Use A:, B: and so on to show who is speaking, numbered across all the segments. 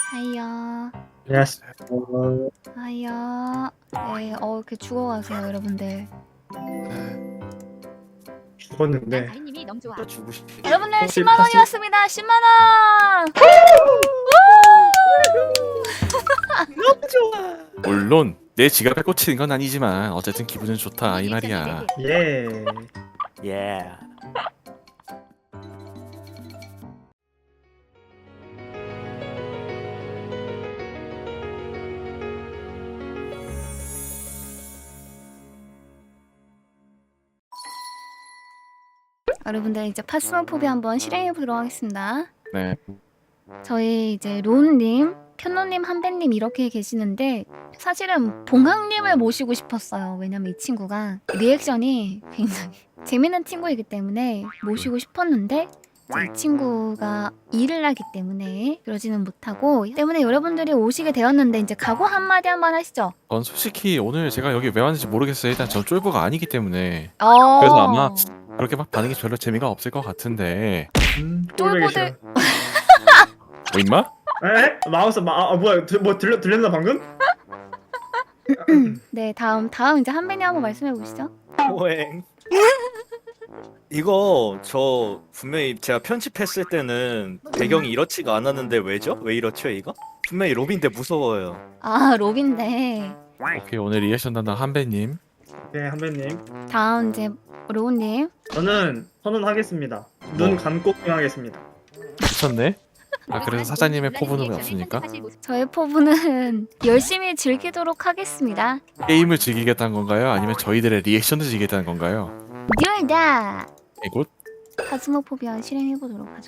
A: 하이요.
B: 안녕하세요.
A: 하이요. 네, 이렇게 죽어가세요, 여러분들.
B: 죽었는데
C: 아이님이 너무 좋아.
D: 주고 싶.
A: 여러분들
B: 혹시
A: 10만 원이었습니다. 10만 원.
B: 너무 좋아.
D: 물론 내 지갑에 꽂히는 건 아니지만 어쨌든 기분은 좋다 이 말이야.
B: 예.
D: 예.
A: 여러분들 이제 파스모포비 한번 실행해 보도록 하겠습니다.
D: 네.
A: 저희 이제 로운님, 편노님, 한배님 이렇게 계시는데 사실은 봉학님을 모시고 싶었어요. 왜냐면 이 친구가 리액션이 굉장히 재밌는 친구이기 때문에 모시고 싶었는데 이 친구가 일을 하기 때문에 그러지는 못하고 때문에 여러분들이 오시게 되었는데 이제 각오 한마디 한번 하시죠.
D: 전 솔직히 오늘 제가 여기 왜 왔는지 모르겠어요. 일단 전 쫄보가 아니기 때문에
A: 어...
D: 그래서 아마 그렇게 막 반응이 별로 재미가 없을 것 같은데.
A: 쫄보들-
D: 뭐 임마?
B: 에? 마우스 뭐야? 들렸나 방금?
A: 네, 다음 이제 한배님 한번 말씀해 보시죠.
E: 호행. 이거 저 분명히 제가 편집했을 때는 배경이 이렇지가 않았는데 왜죠? 왜 이렇죠 이거? 분명히 로빈데 무서워요.
A: 아, 로빈데.
D: 오케이, 오늘 리액션 담당 한배님.
B: 네, 한배님.
A: 다음 이제 로운님.
B: 저는 선언하겠습니다.
D: 뭐?
B: 눈 감고 하겠습니다.
D: 미쳤네? 아 그래서 사장님의 포부는 왜 없습니까?
A: 저의 포부는 열심히 즐기도록 하겠습니다.
D: 게임을 즐기겠다는 건가요? 아니면 저희들의 리액션을 즐기겠다는 건가요?
A: 듀얼다.
D: 이곳?
A: 파스모포비아 실행해보도록 하죠.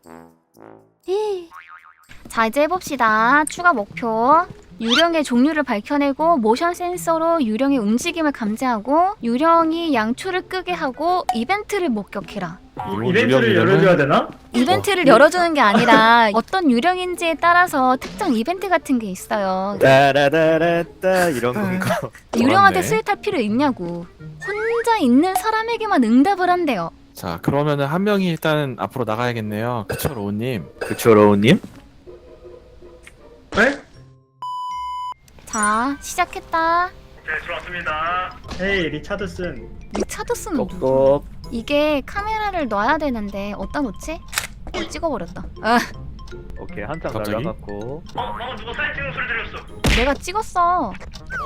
A: 자, 이제 해봅시다. 추가 목표. 유령의 종류를 밝혀내고 모션 센서로 유령의 움직임을 감지하고 유령이 양초를 끄게 하고 이벤트를 목격해라.
B: 이벤트를 열어줘야 되나?
A: 이벤트를 열어주는 게 아니라 어떤 유령인지에 따라서 특정 이벤트 같은 게 있어요.
E: 따라라라따 이런 건가?
A: 유령한테
D: 그렇네.
A: 스윗할 필요 있냐고. 혼자 있는 사람에게만 응답을 한대요.
D: 자 그러면은 한 명이 일단 앞으로 나가야겠네요. 그쵸 로우님?
E: 그쵸 로우님?
B: 네?
A: 자, 시작했다.
B: 네, 들어왔습니다. 헤이, 리차드슨.
A: 리차드슨은 누구?
E: 꺽꺽.
A: 이게 카메라를 놔야 되는데 어디다 놓지? 찍어버렸다. 아,
E: 오케이 한장
D: 갑자기?
E: 날라갔고.
B: 방금 누가 사진 찍는 소리 들렸어.
A: 내가 찍었어.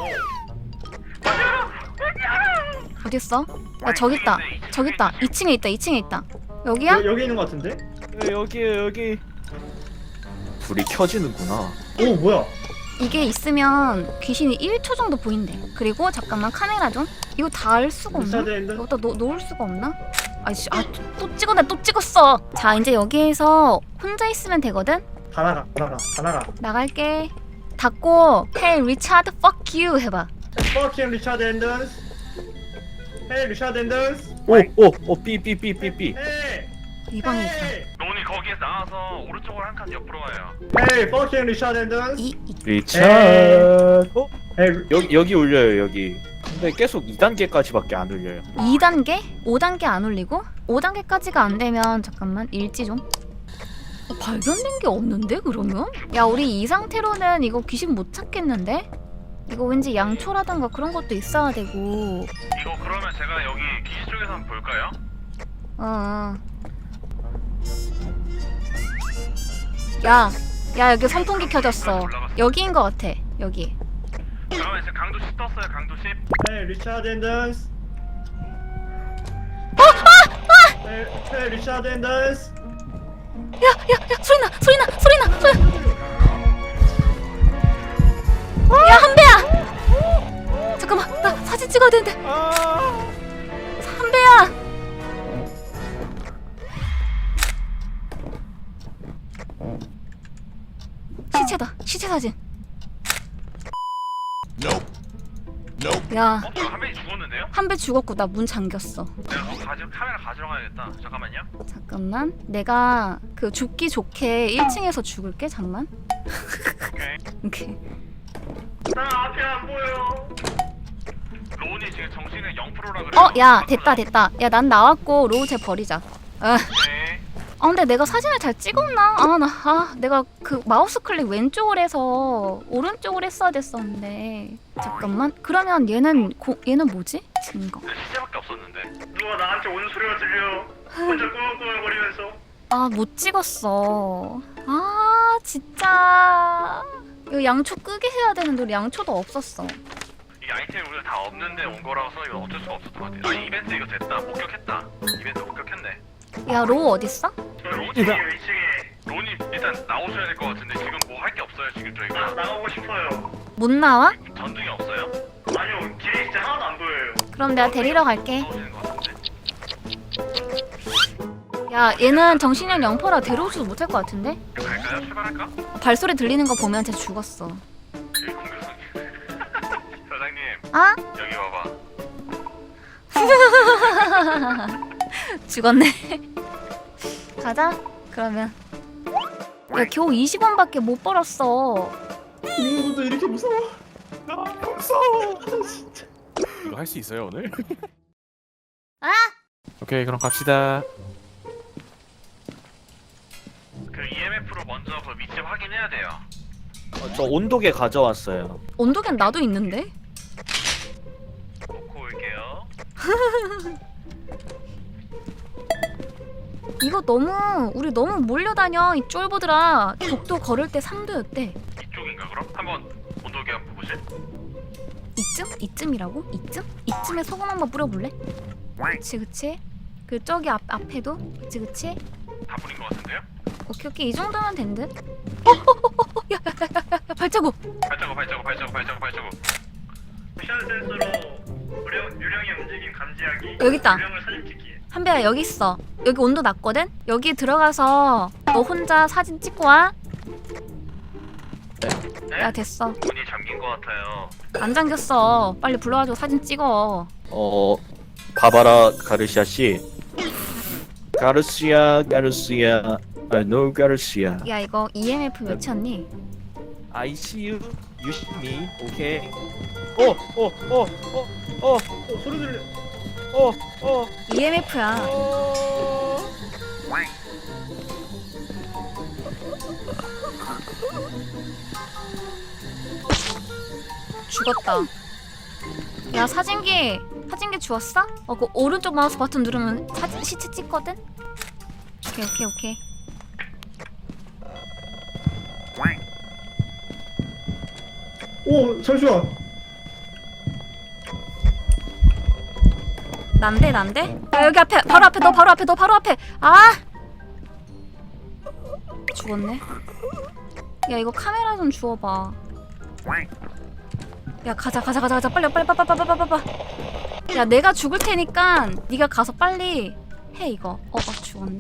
A: 어딨어? 야, 저기 있다. 저기 있다. 2층에 있다. 2층에 있다. 여기야?
B: 여기 있는 것 같은데?
E: 여기에요 여기. 불이 켜지는구나.
B: 오, 뭐야?
A: 이게 있으면 귀신이 1초 정도 보인대. 그리고 잠깐만 카메라 좀. 이거 다 알 수가 없나?
B: 리차드인데?
A: 여기다 놓을 수가 없나? 아이씨, 또 찍었네. 또 찍었어. 자, 이제 여기에서 혼자 있으면 되거든?
B: 다 나가.
A: 나갈게. 닫고 Hey 리차드 fuck you 해봐.
B: Fucking 리차드 앤던스. 헤이, 리차드 앤던스.
E: 오오 삐삐삐삐삐.
B: 헤이.
A: 이 방에 있다.
F: 로운이 거기에서 나와서 오른쪽으로 한 칸 옆으로 가요.
B: 헤이, fucking 리차드 앤던스.
E: 리차드.
B: 헤이,
E: 여기 울려요 여기. 근데 계속 2단계까지밖에 안 울려요.
A: 2단계? 5단계 안 올리고? 5단계까지가 안 되면 잠깐만 일지 좀. 발견된 게 없는데 그러면? 야, 우리 이 상태로는 이거 귀신 못 찾겠는데? 이거 왠지 양초라던가 그런 것도 있어야 되고.
F: 이거 그러면 제가 여기 기지 쪽에서 한번 볼까요?
A: 어. 야, 여기 선풍기 켜졌어. 여기인 것 같아. 여기.
F: 그러면 이제 강도 10 떴어요. 강도 10.
B: 헤이, 리차드 앤던스. 헤이, 리차드 앤던스.
A: 야, 소리나. 야, 한배야. 잠깐만, 나 사진 찍어야 되는데. 한배야. 시체다. 시체 사진. 야,
F: 한 명이 죽었는데요?
A: 한배 죽었고 나 문 잠겼어.
F: 내가 그거 카메라 가지러 가야겠다. 잠깐만요.
A: 잠깐만. 내가 그 죽기 좋게 1층에서 죽을게. 잠만.
F: 오케이.
A: 오케이.
F: 나 앞에 안 보여. 로운이 지금 정신은 0%라 그래.
A: 야, 됐다. 야, 난 나왔고 로우 쟤 버리자.
F: 오케이.
A: 아 근데 내가 사진을 잘 찍었나? 내가 그 마우스 클릭 왼쪽을 해서 오른쪽을 했어야 됐었는데 잠깐만. 그러면 얘는 뭐지? 증거.
F: 시체밖에 없었는데.
B: 누가 나한테 오는 소리가 들려. 혼자 꾸물꾸물거리면서.
A: 아 못 찍었어. 아 진짜 이거 양초 끄게 해야 되는데 우리 양초도 없었어.
F: 이 아이템이 우리가 다 없는데 온 거라서 이거 어쩔 수가 없었던 것 같아. 아 이벤트 이거 됐다. 목격했다. 이벤트 목격했네.
A: 야 로 어딨어?
B: 저 2층이에요 2층에.
F: 론이 일단 나오셔야 될 것 같은데 지금 뭐 할 게 없어요 지금 저희가.
B: 나가고 싶어요.
A: 못 나와?
F: 전등이 없어요?
B: 아니요 길이 진짜 하나도 안 보여요.
A: 그럼 내가 데리러 갈게.
F: 나오시는 것 같은데.
A: 야 얘는 정신력 0%라 데려오지도 못할 것 같은데?
F: 갈까요? 출발할까?
A: 발소리 들리는 거 보면 쟤 죽었어.
F: 여기 공격성. 사장님
A: 아?
F: 여기 와봐.
A: 죽었네. 가자. 그러면. 야 겨우 20원밖에 못 벌었어.
B: 이것도 이렇게 무서워.
D: 무서워. 이거 할 수 있어요 오늘?
A: 아!
D: 오케이 그럼 갑시다.
F: 그 EMF로 먼저 그 위치 확인해야 돼요.
E: 저 온도계 가져왔어요.
A: 온도계는 나도 있는데?
F: 놓고 올게요.
A: 이거 우리 너무 몰려다녀 이 쫄보들아. 독도 걸을 때 3도였대.
F: 이쪽인가 그럼? 한번 온도계 한번 보실?
A: 이쯤이라고? 이쯤에 소금 한번 뿌려볼래? 그치 그 저기 앞에도 그치
F: 다 뿌린 것 같은데요?
A: 오케이 이 정도면 된 듯? 야 발자국.
F: 발자국.
B: 미션 센서로 유령의 움직임 감지하기.
A: 여기 있다.
B: 유령을 사진 찍기.
A: 한배야 여기 있어. 여기 온도 낮거든? 여기 들어가서 너 혼자 사진 찍고 와.
F: 네?
A: 야 됐어.
F: 문이 잠긴 것 같아요.
A: 안 잠겼어. 빨리 불러가지고 사진 찍어.
E: 바바라 가르시아 씨. 가르시아. No 가르시아.
A: 야 이거 EMF 외쳤니?
E: I see you. You see me. 오케이.
B: 소리 들려.
A: EMF야. 죽었다. 야 사진기 주웠어? 그 오른쪽 마우스 버튼 누르면 시체 찍거든? 오케이.
B: 오 잠시만.
A: 난데? 야, 여기 앞에 바로 앞에 너 바로 앞에. 아! 죽었네. 야 이거 카메라 좀 주워봐. 야 가자 빨리. 야 내가 죽을 테니까 네가 가서 빨리 해 이거. 죽었네.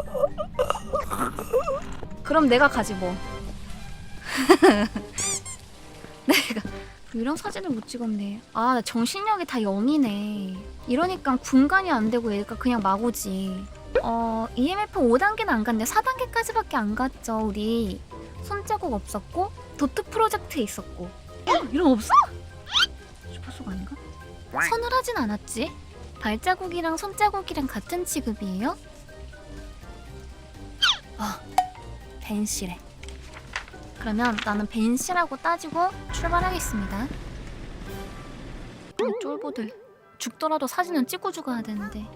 A: 그럼 내가 가지 뭐. 내가 이런 사진을 못 찍었네. 나 정신력이 다 0이네. 이러니까 분간이 안 되고 얘가 그냥 막 오지. EMF 5단계는 안 갔네. 4단계까지밖에 안 갔죠 우리. 손자국 없었고 도트 프로젝트 있었고. 이런 거 없어? 슈퍼소가 아닌가? 서늘하진 않았지? 발자국이랑 손자국이랑 같은 취급이에요? 벤시래. 그러면 나는 벤시라고 따지고 출발하겠습니다. 쫄보들 죽더라도 사진은 찍고 죽어야 되는데.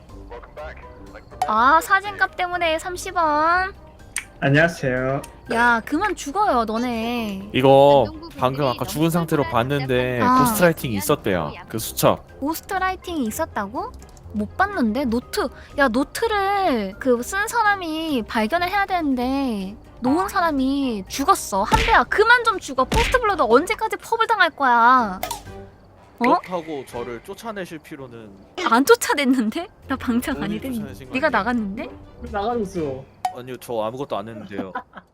A: 사진값 때문에 30원.
B: 안녕하세요.
A: 야 그만 죽어요 너네.
D: 이거 방금 아까 죽은 상태로 봤는데
A: 아.
D: 고스트라이팅이 있었대요. 그 수첩.
A: 고스트라이팅이 있었다고? 못 봤는데? 노트를 그 쓴 사람이 발견을 해야 되는데 놓은 사람이 죽었어. 한배야 그만 좀 죽어. 포스트블러드 언제까지 펍을 당할 거야.
E: 그렇다고 저를 쫓아내실 필요는.
A: 안 쫓아냈는데? 나 방장
D: 본인이
A: 아니랬니?
D: 쫓아내신 거
A: 네가
D: 아니에요?
A: 나갔는데?
B: 나가줬어.
E: 아니요, 저 아무것도 안 했는데요.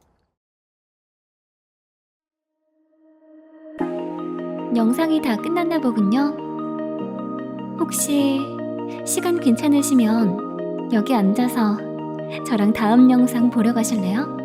A: 영상이 다 끝났나 보군요. 혹시 시간 괜찮으시면 여기 앉아서 저랑 다음 영상 보러 가실래요?